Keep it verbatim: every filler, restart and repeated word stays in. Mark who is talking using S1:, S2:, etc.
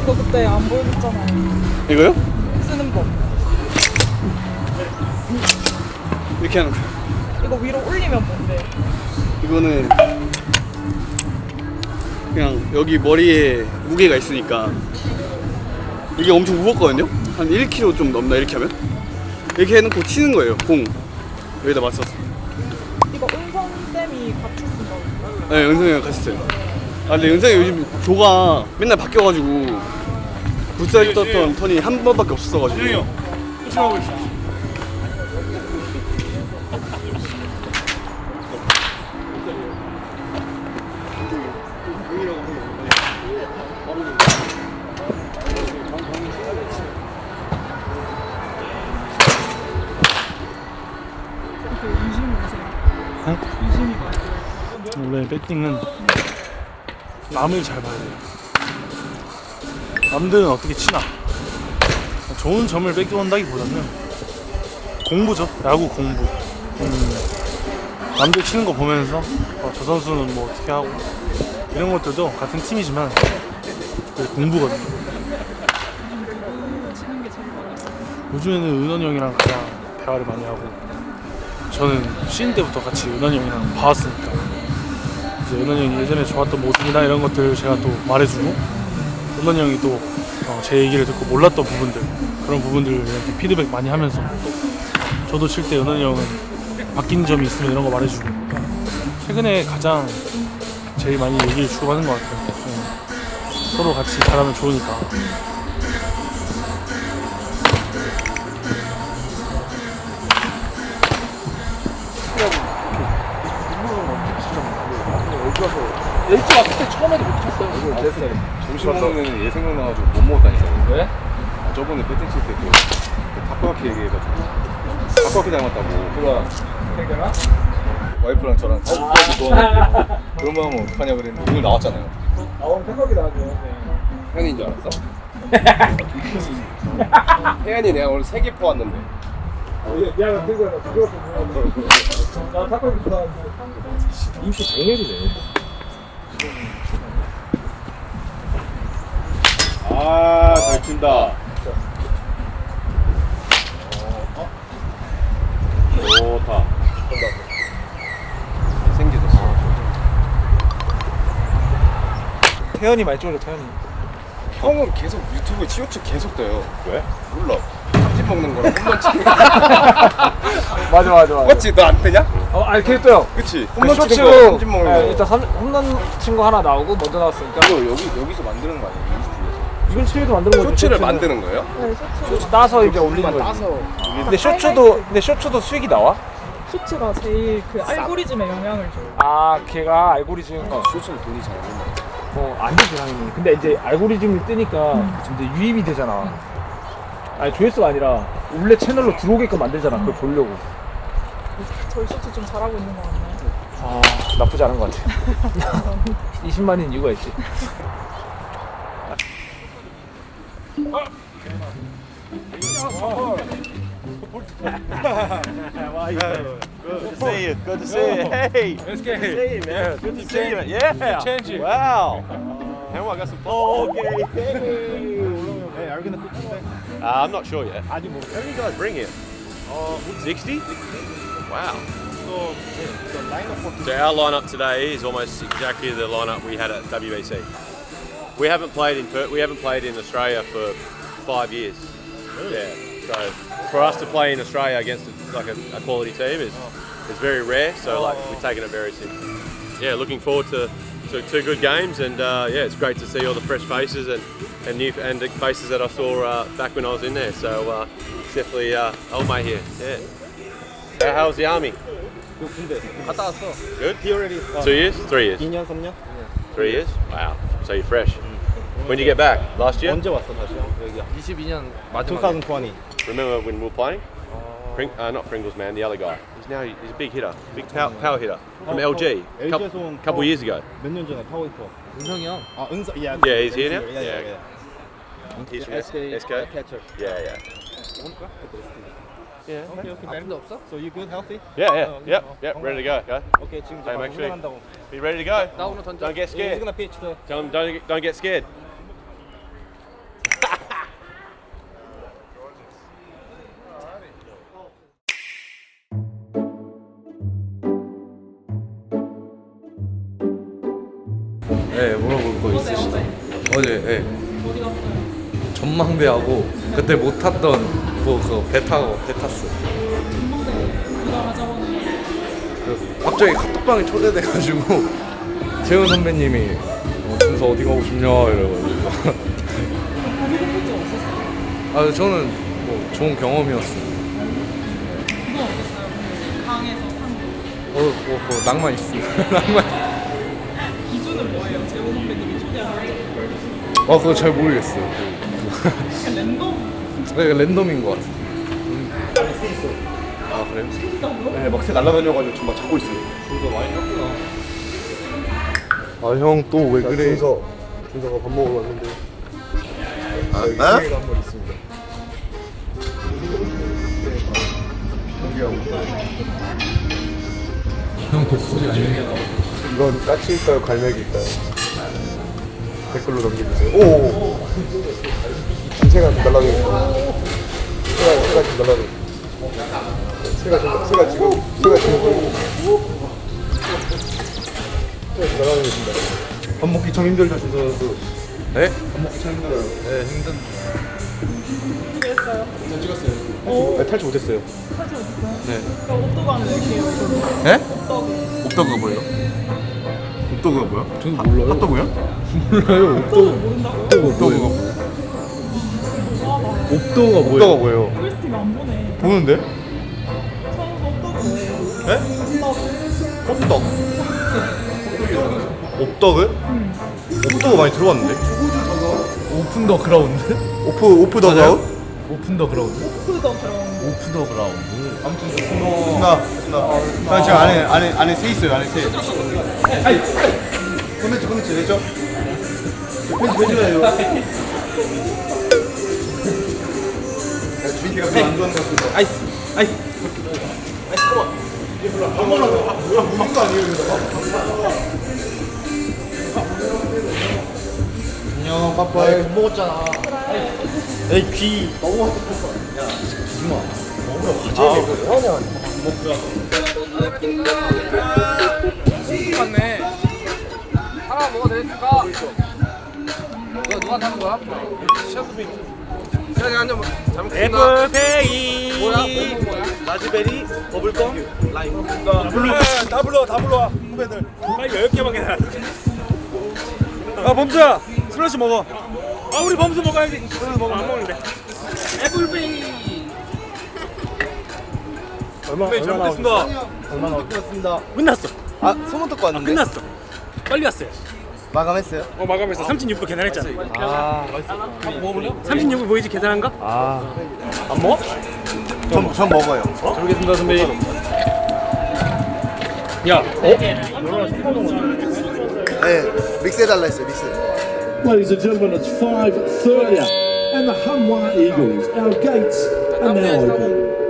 S1: 이거 그때 안 보여줬잖아요.
S2: 이거요?
S1: 쓰는 법.
S2: 이렇게 하는 거.
S1: 이거 위로 올리면 뭔데?
S2: 이거는 그냥 여기 머리에 무게가 있으니까 이게 엄청 무겁거든요? 한 일 킬로그램 좀 넘나 이렇게 하면? 이렇게 해놓고 치는 거예요, 공 여기다 맞춰서.
S1: 이거 은성 쌤이 같이 쓴다고.
S2: 네, 은성이랑 같이 써요. 아 근데 은성이 요즘 조가 맨날 바뀌어가지고 붓살 떴던 턴이 한 번밖에 없었어가지고.
S3: 준영이 형 조심하고 있어.
S4: 원래 배팅은 남을 잘 봐야 돼요. 남들은 어떻게 치나 좋은 점을 뺏겨온다기보다는 공부죠. 야구 공부. 음, 남들 치는 거 보면서 어, 저 선수는 뭐 어떻게 하고 이런 것들도 같은 팀이지만 그게 공부거든요. 요즘에는 은원이 형이랑 가장 대화를 많이 하고, 저는 쉬는 때부터 같이 은원이 형이랑 봐왔으니까 이제 은원이 형이 예전에 좋았던 모습이나 이런 것들 제가 또 말해주고, 은원이 형이 또 제 얘기를 듣고 몰랐던 부분들, 그런 부분들을 이렇게 피드백 많이 하면서 저도 칠 때 은원이 형은 바뀐 점이 있으면 이런 거 말해주고, 최근에 가장 제일 많이 얘기를 주고받는 것 같아요. 네. 서로 같이 잘하면 좋으니까.
S5: 일찍 왔을 때 처음에도 못 쳤어요. 아홉 살에.
S3: 점심 먹는 얘 생각나가지고 못 먹었다니까요.
S5: 왜?
S3: 아, 저번에 배팅 칠 때 그, 그 타코야키 얘기해가지고 타코야키 닮았다고.
S5: 누가? 태경아?
S3: 와이프랑 저랑 타코야키 좋아하는데 그런 거 하면 어떡하냐 그랬는데 오늘 나왔잖아요.
S5: 아 오늘 태경이 나왔죠.
S3: 혜연이인 줄 알았어? 혜연이 내가 오늘 세 개 퍼왔는데.
S5: 미안해 태경아 나 그거 좀 나 타코야키 좋아하는데 인기 장렬이네.
S3: 아, 잘 친다. 좋다. 생기졌어.
S5: 태연이 많이 찍어줘 태연이.
S3: 형은 계속 유튜브에 치우치 계속 떠요. 왜? 몰라. 편집 먹는 거랑 홈런 치는 거.
S5: 맞아 맞아 맞아.
S3: 맞지? 너 안 뜨냐?
S5: 어 아니 계속 떠요.
S3: 그치?
S5: 그
S3: 홈런
S5: 쇼
S3: 치는 거,
S5: 치고
S3: 편집 먹는 거.
S5: 예, 일단 삼, 홈런 친 거 하나 나오고 먼저 나왔으니까
S3: 이거 여기, 여기서 만드는 거 아니에요? 인스티에서.
S5: 이건 치유도 만드는 거지.
S3: 쇼츠를
S5: 쇼츠는.
S3: 만드는 거예요?
S1: 네, 쇼츠.
S5: 쇼츠 따서 이제 올리는 거지.
S3: 따서.
S5: 근데 쇼츠도 근데 쇼츠도 수익이 나와?
S1: 쇼츠가 제일 그 알고리즘에 영향을 줘요.
S5: 아 걔가 알고리즘
S3: 쇼츠는 돈이 잘 안 된다.
S5: 뭐안 되지 당연히. 근데 이제 알고리즘이 뜨니까 이제 유입이 되잖아. 아니 조회수가 아니라 원래 채널로 들어오게끔 만들잖아. 그걸 보려고.
S1: 저희 쇼츠 좀 잘하고 있는 거 같나요?
S5: 아 나쁘지 않은 것 같아. 이십만인 이유가 있지.
S6: Good to see you. Good to see you. Hey. Good to see you, man. Good to see you. Yeah.
S5: Change it.
S6: Wow. How I got some. Oh, okay. Hey.
S4: Hey, are we gonna pitch today?
S6: Uh, I'm not sure yet. How do you guys bring it? Oh, sixty. Wow.
S4: So, the lineup for
S6: So our lineup today is almost exactly the lineup we had at W B C. We haven't played in Per- we haven't played in Australia for five years. Yeah. So for us to play in Australia against like a, a quality team is is very rare. So like we're taking it very seriously. Yeah, looking forward to, to two good games, and uh, yeah, it's great to see all the fresh faces and and new and the faces that I saw uh, back when I was in there. So uh, it's definitely uh, old mate here. Yeah. How, how's the army?
S3: 갔다 왔어.
S6: Good. Two years? Three years?
S3: 이 년, 삼 년?
S6: Three years? Wow. So you're fresh. When did you get back? Last year?
S3: 언제 왔어 다시? 여기.
S5: 이십이 년
S3: 이천이십.
S6: Remember when we were playing? Pring- uh, not Pringles, man. The other guy. He's now he's a big hitter, big power, power hitter from L G. A couple,
S3: 엘지에서 온
S6: couple years ago.
S3: 몇 년 전에 파워히터.
S5: 은성이 형.
S3: 아, 은서. 야.
S6: Yeah, he's here now?
S3: Yeah, yeah,
S6: Yeah.
S3: yeah.
S6: He's from
S3: S K
S6: S K.
S3: catcher.
S6: Yeah, yeah.
S3: Yeah. Okay, okay.
S5: 아픈데 없어?
S3: So you good, healthy?
S6: Yeah, yeah, yep, yep. Ready to go. Go.
S3: Okay, 지금 이제
S6: Hey,
S3: 바로
S6: make sure.
S3: 훈련한다고.
S6: Be ready to go.
S5: 나 오늘 던져.
S6: Don't get
S3: He's
S6: scared.
S3: gonna pitch the.
S6: Tell him don't don't get scared.
S7: 어제 예.
S1: 어디 갔어요?
S7: 전망대하고 그때 못 탔던 뭐 그거 배 타고 배 탔어.
S1: 전망대 누가 가져오는 거예요?
S7: 그 갑자기 카톡방에 초대돼가지고 재훈 선배님이 어, 준서 어디 가고 싶냐 이래가지고.
S1: 거기 공포증 없었어요?
S7: 아 저는 뭐 좋은 경험이었어.
S1: 그건 어땠어요? 그 강에서 탄 거.
S7: 어, 뭐, 뭐 낭만 있습니다. 낭만. 있-
S1: 기준은 뭐예요? 재호 선배님이 초대하는
S7: 아 그거 잘 모르겠어요.
S1: 그냥 랜덤
S7: 네, 랜덤인 것 같아.
S3: 아 그래요?
S1: 생긴다고요?
S3: 네, 막 새 날라다녀가지고 지금 막 잡고 있어요.
S7: 아 형 또 왜 그래?
S3: 준서, 준서가 밥 먹으러 왔는데. 아, 아? 기회가 한 번 있습니다.
S7: 형 독수리 아니에요?
S3: 이건 까치일까요, 갈매기일까요? 댓글로 남겨주세요. 오. 새가 좀 날라다니고. 새가 새가 좀 날라다니고. 새가 좀 새가 지금 새가 지금 새가 좀 날아다니고 있습니다. 밥 먹기 참 힘들죠, 준서 선수.
S7: 네?
S3: 밥 먹기 참 힘들어요.
S7: 네 힘든.
S1: 어떻게 했어요?
S3: 전 찍었어요.
S1: 오.
S3: 탈출, 탈출 못했어요.
S1: 사진 어딨어요?
S7: 네.
S1: 그럼 옥도관을 낼게요. 이걸로.
S7: 네?
S1: 옥도그.
S3: 옥더그가 뭐예요? 옥더그가 뭐야?
S7: 저는 몰라요.
S3: 핫도그요?
S7: 몰라요.
S1: 옥도그 모른다고요?
S3: 옥더그가 뭐예요?
S1: 와, 나
S7: 옥도가
S3: 옥더가 뭐예요?
S1: 꿀스팀 안 보네.
S3: 보는데?
S1: 처음 옥도그 뭐예요?
S3: 네?
S1: 옥도그.
S3: 옥떡. 옥떡은? 옥떡은 많이 들어봤는데?
S7: 오픈 더 그라운드?
S3: 오프 오프 더
S7: 맞아요?
S3: 그라운드?
S7: 오픈 더 그라운드?
S1: 오프 더 그라운드.
S7: 오픈 더 그라운드.
S3: 아무튼 순아 순아. 나 지금 안에 안에 안에 새 있어요. 안에 새. 아이. 컨텐츠 컨텐츠 되죠? 편집 해줘요. 주인이가 별로 안 좋아하는 것 같습니다. 아이스 아이스 아이스 컴온. 이게 별로 안 좋아하는 거 밥도 아니에요 이거. 안녕 빠빠이. 못 먹었잖아. 에이 귀 너무 왔어. 야 주마. 먹으러 가자. 뭐하냐.
S8: 맞네. 하나 먹어도 되니까. 너 누가 타는 거야? 셰프비. 그냥 한잔 잘 먹겠습니다.
S2: 애플페이
S8: 뭐야? 뭐 뭐야?
S2: 라즈베리 버블껌 라임
S3: 다 불러 다 불러 다 불러 후배들.
S2: 빨리 열 개만 해라. 아 범수야 술 한씩 먹어. 아 우리 범수 먹어야지. 술 먹어. 안 먹는데.
S8: 애플페이.
S3: 얼마
S2: 네, 잘못했습니다.
S3: 얼마나 왔습니다.
S2: 끝났어.
S3: 아 소문 듣고 왔는데.
S2: 끝났어. 빨리 왔어요.
S3: 마감했어요?
S2: 어 마감했어. 삼십육 분 계산했잖아.
S3: 아,
S2: 삼십육 분 보이지 계산한 거?
S3: 아,
S2: 안 먹어?
S3: 전, 전 먹어요.
S2: 잘 먹겠습니다 선배님. 야, 어?
S3: 네, 믹스 해달라 했어요, 믹스.
S9: Ladies and gentlemen, it's five thirty and the Hanwha Eagles, our gates are now open.